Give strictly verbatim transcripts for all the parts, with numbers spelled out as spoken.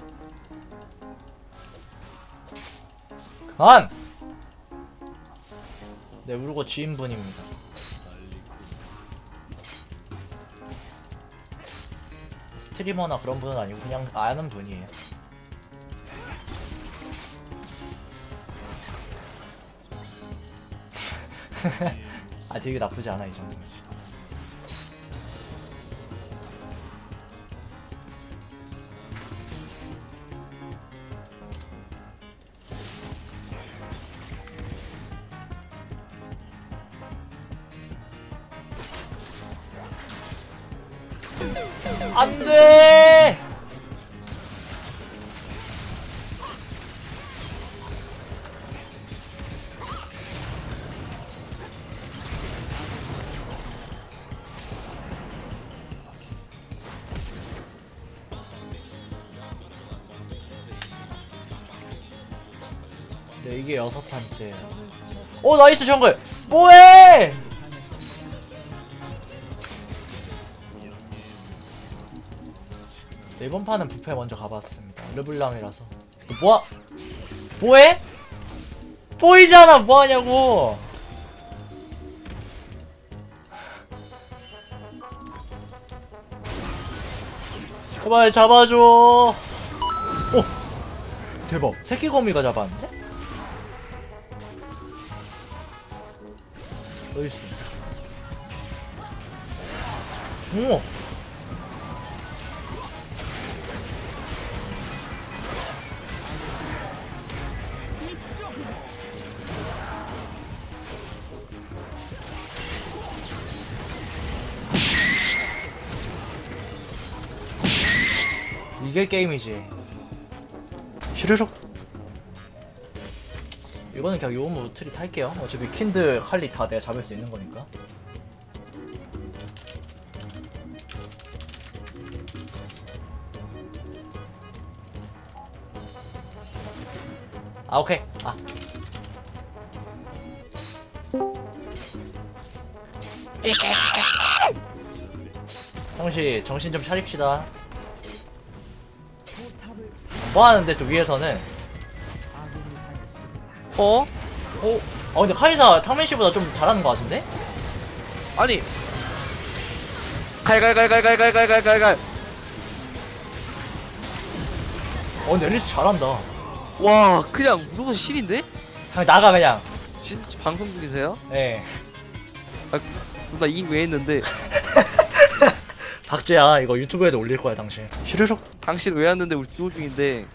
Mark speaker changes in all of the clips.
Speaker 1: 그만! 네, 울고 지인분입니다. 스트리머나 그런 분은 아니고 그냥 아는 분이에요. 아, 되게 나쁘지 않아 이 정도면. 안돼. 네, 이게 여섯 판째. 오, 나이스 정글. 뭐해? 네, 이번 판은 부페 먼저 가봤습니다. 르블랑이라서. 뭐야? 뭐해? 보이잖아. 뭐하냐고. 제발 잡아줘. 오, 대박. 새끼 거미가 잡았는데? 어딨어? 오. 이게 게임이지. 슈르륵. 이거는 그냥 요무 트리 탈게요. 어차피 킨드 칼리 다 내가 잡을 수 있는 거니까. 아, 오케이. 아. 형씨 정신 좀 차립시다. 뭐 하는데 또 위에서는?
Speaker 2: 어?
Speaker 1: 어? 어 근데 카이사 탕맨씨보다 좀 잘하는 것 같은데?
Speaker 2: 아니 갈갈갈갈갈갈갈갈갈
Speaker 1: 어 근데 앨리스 잘한다.
Speaker 2: 와 그냥 무조건 신인데?
Speaker 1: 그냥 나가 그냥.
Speaker 2: 진짜 방송 중이세요?
Speaker 1: 예.
Speaker 2: 나 이긴 왜 했는데
Speaker 1: 박재야 이거 유튜브에도 올릴 거야 당신. 슈르륵.
Speaker 2: 당신 왜 왔는데 우리 듀오 중인데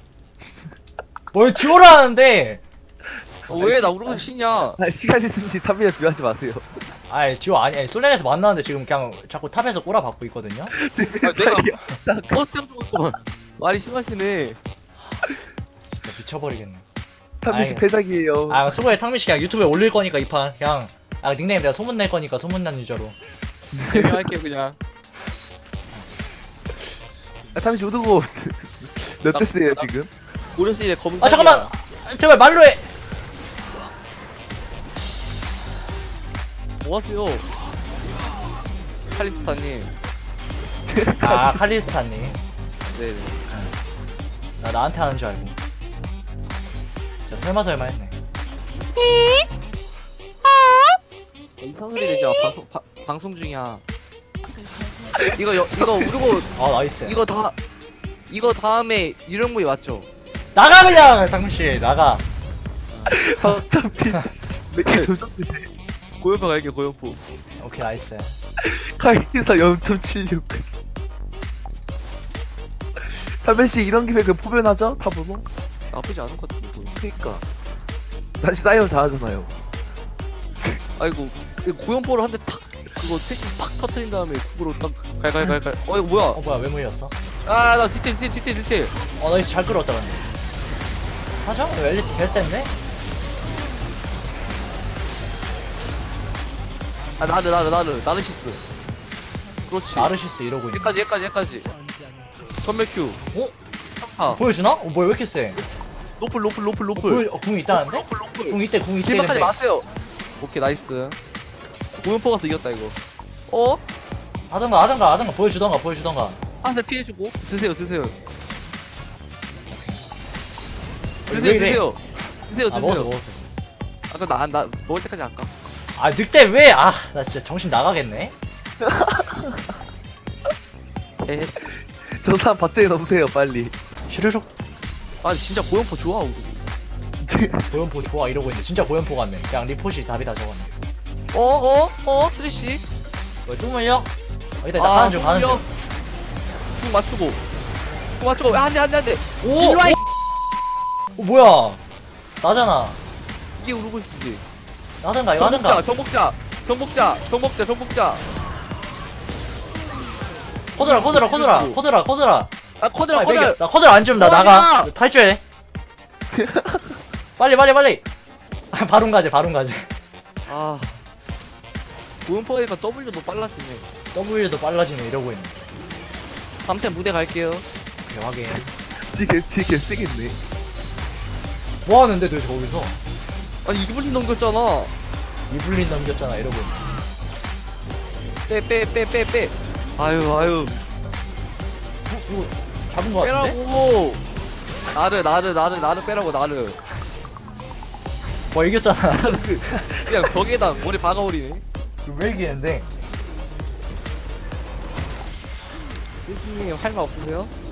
Speaker 1: 뭘 듀오를 하는데?
Speaker 2: 어, 왜 나 무조건 신이야.
Speaker 3: 아, 시간 있으니 탑이나 비하지 마세요.
Speaker 1: 아이 듀오 아니 아니 솔랭에서 만나는데 지금 그냥 자꾸 탑에서 꼬라박고 있거든요?
Speaker 2: 아, 내가 버스 잡고 있구만. 말이 심하시네.
Speaker 1: 진짜 미쳐버리겠네.
Speaker 3: 탑이씨
Speaker 1: 아이,
Speaker 3: 패작이에요.
Speaker 1: 아 수고해 탕민씨 그냥 유튜브에 올릴 거니까 이 판 그냥 아 닉네임 내가 소문낼 거니까 소문난 유저로.
Speaker 2: 재미할게 그냥.
Speaker 3: 아, 탑이씨 오드고 몇
Speaker 2: 나-
Speaker 3: 대스예요
Speaker 2: 나-
Speaker 3: 지금?
Speaker 2: 오레스의 검은.
Speaker 1: 아 잠깐만! 아, 제발 말로 해!
Speaker 2: 뭐 하세요? 칼리스타님.
Speaker 1: 아 칼리스타님.
Speaker 2: 네네.
Speaker 1: 나 나한테 하는 줄 알고. 진짜 설마 설마 했네.
Speaker 2: 이상한 소리 내지 마. 방송 바, 방송 중이야. 이거 여, 이거 우르고
Speaker 1: 아 나이스.
Speaker 2: 이거 다 이거 다음에 유령무이 맞죠?
Speaker 1: 나가 그냥 당민씨 나가.
Speaker 3: 탑이 몇개 조졌지.
Speaker 2: 고연포 갈게 고연포.
Speaker 1: 오케이 나이스.
Speaker 3: 카이사 영 점 칠육. 탑이씨 이런 김에 그 포변하죠? 탑으로?
Speaker 2: 나쁘지 않은 것 같은데. 고연포.
Speaker 3: 그니까 다시 사이언 잘하잖아요.
Speaker 2: 아이고 고연포를 한 대 탁 그거 패신 팍 터트린 다음에 국으로 딱 갈갈갈갈. 어 이거 뭐야?
Speaker 1: 어 뭐야 왜 물렸어?
Speaker 2: 아나 디테일 디테일 디테일 디테일.
Speaker 1: 어 나이스 잘 끌었다 근데. 하죠? 앨리스 벨센데?
Speaker 2: 아 나는 나는 나는 나는 시스. 그렇지.
Speaker 1: 나르시스 이러고 있네.
Speaker 2: 여기까지 여기까지 여기까지. 전멸 큐.
Speaker 1: 어?
Speaker 2: 아
Speaker 1: 보여주나? 어 뭐야 왜 이렇게 세?
Speaker 2: 로플 로플 로플
Speaker 1: 어,
Speaker 2: 로플.
Speaker 1: 보여, 어, 궁 있다는데?
Speaker 2: 로플 로플.
Speaker 1: 궁 이때 궁 이때
Speaker 2: 길막하지
Speaker 1: 근데.
Speaker 2: 마세요. 오케이 나이스. 고연포 가서 이겼다 이거. 어?
Speaker 1: 하던가 하던가 하던가 보여주던가 보여주던가.
Speaker 2: 한대 피해주고 드세요 드세요. 드세요
Speaker 1: 왜 이래?
Speaker 2: 드세요 드세요
Speaker 1: 아 먹었어
Speaker 2: 드세요.
Speaker 1: 먹었어.
Speaker 2: 아까 나나 먹을 때까지 할까?
Speaker 1: 아 늑대 왜? 아 나 진짜 정신 나가겠네.
Speaker 2: 에헤.
Speaker 3: 저 사람 박정희 넣으세요 빨리.
Speaker 1: 슈르륵.
Speaker 2: 아 진짜 고연포 좋아 우리.
Speaker 1: 고연포 좋아 이러고 있는데 진짜 고연포 같네. 그냥 리포시 답이다 저거네.
Speaker 2: 어어 어 쓰리씨.
Speaker 1: 왜 뚜물려? 어, 일단 나 가는 중 가는 중.
Speaker 2: 궁 맞추고 궁 맞추고 한대 한 대 한대.
Speaker 1: 오!
Speaker 2: 이리 와, 이
Speaker 1: 어, 뭐야? 나잖아.
Speaker 2: 이게 우르고 있지.
Speaker 1: 나든가 이거
Speaker 2: 정복자
Speaker 1: 하든가.
Speaker 2: 정복자 정복자 정복자 정복자.
Speaker 1: 코드라 코드라 코드라
Speaker 2: 죽이고.
Speaker 1: 코드라 코드라.
Speaker 2: 아 커드라
Speaker 1: 빨리
Speaker 2: 커드.
Speaker 1: 매겨. 나 코드라 안 주면 나
Speaker 2: 어,
Speaker 1: 나가.
Speaker 2: 아니야.
Speaker 1: 탈주해. 빨리 빨리 빨리. 아, 바론 가지 바론 가지.
Speaker 2: 아 고연포니까 W도 빨라지네.
Speaker 1: W도 빨라지네 이러고 있네.
Speaker 2: 다음 템 무대 갈게요.
Speaker 1: 오케이 확인.
Speaker 3: 뒤에 뒤에 개 세겠네.
Speaker 1: 뭐 하는데 너 저기서?
Speaker 2: 아니 이 분이 넘겼잖아.
Speaker 1: 이블린 넘겼잖아 이러고 있네.
Speaker 2: 빼 빼 빼 빼 빼. 아유 아유
Speaker 1: 어, 이거 잡은 거 같은데?
Speaker 2: 빼라고. 나를 나를 나를 나를 빼라고 나를.
Speaker 1: 뭐 이겼잖아.
Speaker 2: 그냥 벽에다 머리 박아버리네.
Speaker 1: 왜 이기는데?
Speaker 2: 님 할 말 없으세요?